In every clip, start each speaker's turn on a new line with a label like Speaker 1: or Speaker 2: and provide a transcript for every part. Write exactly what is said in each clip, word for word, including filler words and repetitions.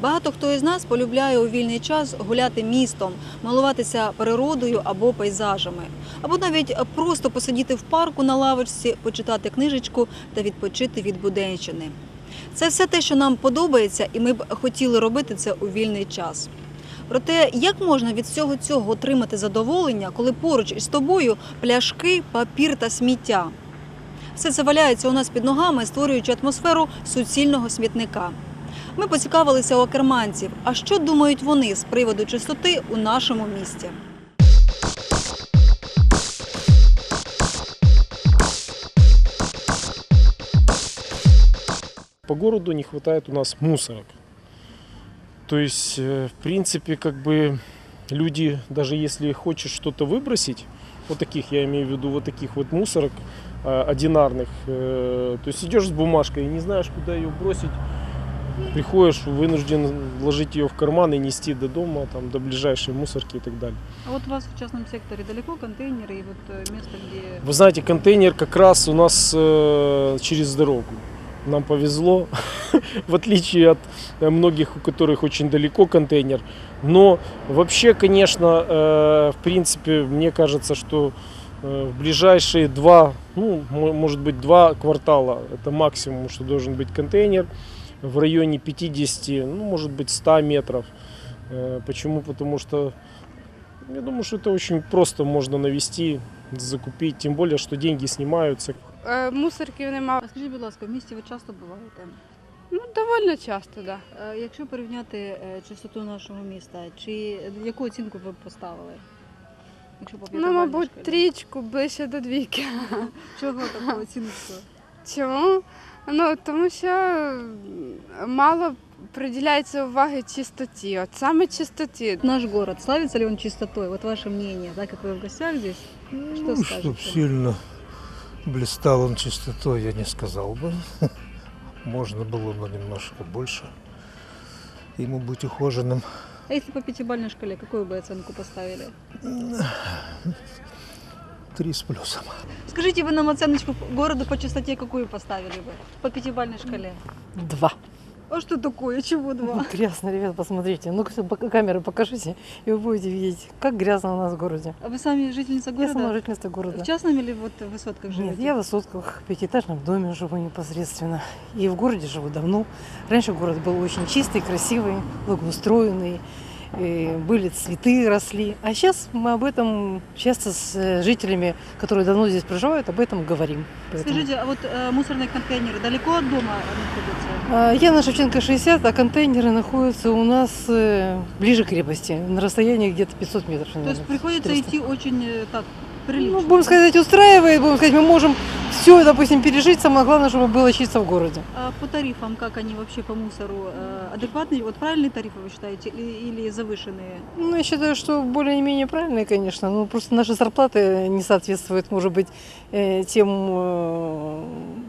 Speaker 1: Багато хто із нас полюбляє у вільний час гуляти містом, милуватися природою або пейзажами. Або навіть просто посидіти в парку на лавочці, почитати книжечку та відпочити від буденщини. Це все те, що нам подобається, і ми б хотіли робити це у вільний час. Проте, як можна від всього цього отримати задоволення, коли поруч із тобою пляшки, папір та сміття? Все це валяється у нас під ногами, створюючи атмосферу суцільного смітника. Ми поцікавилися у акерманців, а що думають вони з приводу чистоти у нашому місті.
Speaker 2: По городу не хватает у нас мусорок. То есть, в принципе, как бы люди, даже если хочешь что-то выбросить, вот таких, я имею в виду, вот таких вот мусорок одинарных, то есть идешь с бумажкой и не знаешь, куда ее бросить, приходишь, вынужден вложить ее в карман и нести до дома, там, до ближайшей мусорки и так далее.
Speaker 1: А вот у вас в частном секторе далеко контейнеры и вот место, где…
Speaker 2: Вы знаете, контейнер как раз у нас через дорогу. Нам повезло, в отличие от многих, у которых очень далеко контейнер. Но вообще, конечно, в принципе, мне кажется, что в ближайшие два, ну, может быть, два квартала, это максимум, что должен быть контейнер, в районе пятидесяти, ну, может быть, ста метров. Почему? Потому что, я думаю, что это очень просто можно навести, закупить, тем более, что деньги снимаются.
Speaker 3: Мусорків немає.
Speaker 1: А скажіть, будь ласка, в місті ви часто буваєте?
Speaker 3: Ну, доволі часто, так. Да.
Speaker 1: Якщо порівняти чистоту нашого міста, чи яку оцінку ви б поставили? Якщо по
Speaker 3: Ну, мабуть, трічку, ближче до двійки.
Speaker 1: Чого таку оцінку?
Speaker 3: Чому? Ну, тому що мало приділяється уваги чистоті. От саме чистоті.
Speaker 1: Наш город, славится ли он чистотой? Вот ваше мнение, так как вы в гостях здесь, что
Speaker 4: ну,
Speaker 1: скажете?
Speaker 4: Чтоб сильно блистал он чистотой, я не сказал бы. Можно было бы немножко больше ему быть ухоженным.
Speaker 1: А если по пятибалльной шкале, какую бы оценку поставили?
Speaker 4: Три с плюсом.
Speaker 1: Скажите, вы нам оценочку городу по чистоте какую поставили бы? По пятибалльной шкале?
Speaker 5: Два.
Speaker 1: А что такое? Чего два?
Speaker 5: Грязно, ребят, посмотрите. Ну-ка, камеры покажите, и вы будете видеть, как грязно у нас в городе.
Speaker 1: А вы сами жительница
Speaker 5: Я
Speaker 1: города?
Speaker 5: сама жительница города.
Speaker 1: В частном или вот в высотках живете?
Speaker 5: Нет, я в высотках, в пятиэтажном доме живу непосредственно. И в городе живу давно. Раньше город был очень чистый, красивый, благоустроенный. И были цветы, росли. А сейчас мы об этом часто с жителями, которые давно здесь проживают, об этом говорим. Поэтому...
Speaker 1: Скажите, а вот э, мусорные контейнеры далеко от дома находятся?
Speaker 5: Я на Шевченко шестьдесят, а контейнеры находятся у нас э, ближе к крепости, на расстоянии где-то пятьсот метров.
Speaker 1: То есть приходится
Speaker 5: четыреста.
Speaker 1: идти очень э, так прилично?
Speaker 5: Ну, будем сказать, устраивает, будем сказать, мы можем все, допустим, пережить, самое главное, чтобы было чисто в городе.
Speaker 1: А по тарифам, как они вообще по мусору? Э, адекватные, вот правильные тарифы вы считаете или, или завышенные?
Speaker 5: Ну, я считаю, что более-менее правильные, конечно, но просто наши зарплаты не соответствуют, может быть, э, тем э,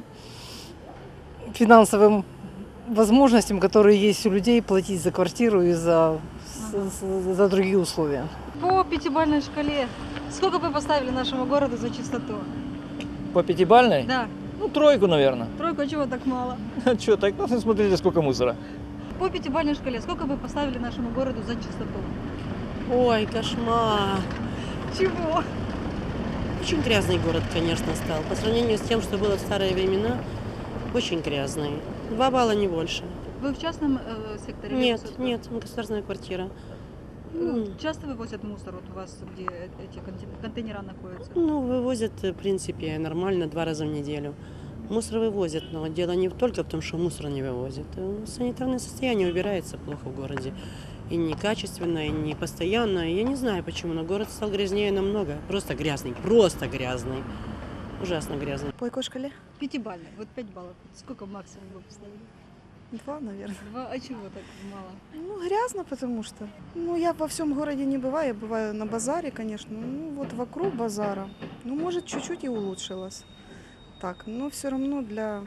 Speaker 5: финансовым возможностям, которые есть у людей платить за квартиру и за, ага. за, за другие условия.
Speaker 1: По пятибалльной шкале сколько бы поставили нашему городу за чистоту?
Speaker 6: По пятибалльной?
Speaker 1: Да.
Speaker 6: Ну, тройку, наверное.
Speaker 1: Тройку, а чего так мало?
Speaker 6: Что, так, ну, смотрите, сколько мусора.
Speaker 1: По пятибалльной шкале сколько бы поставили нашему городу за чистоту?
Speaker 7: Ой, кошмар.
Speaker 1: Чего?
Speaker 7: Очень грязный город, конечно, стал. По сравнению с тем, что было в старые времена, очень грязный. Два балла, не больше.
Speaker 1: Вы в частном э, секторе?
Speaker 7: Нет,
Speaker 1: или
Speaker 7: нет, государственная квартира.
Speaker 1: Ну, часто вывозят мусор вот у вас, где эти контейнера находятся?
Speaker 7: Ну, вывозят, в принципе, нормально, два раза в неделю. Мусор вывозят, но дело не только в том, что мусор не вывозят. Санитарное состояние убирается плохо в городе. И некачественно, и не постоянно. Я не знаю почему, но город стал грязнее намного. Просто грязный, просто грязный. Ужасно грязный.
Speaker 8: По какой шкале?
Speaker 1: Пятибалльной, вот пять баллов. Сколько максимум вы поставили?
Speaker 8: Два, наверное.
Speaker 1: Два, а чего так мало?
Speaker 8: Ну, грязно, потому что. Ну, я во всем городе не бываю, я бываю на базаре, конечно. Ну, вот вокруг базара. Ну, может, чуть-чуть и улучшилось. Так, но все равно для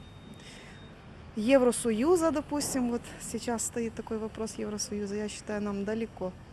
Speaker 8: Евросоюза, допустим, вот сейчас стоит такой вопрос Евросоюза, я считаю, нам далеко.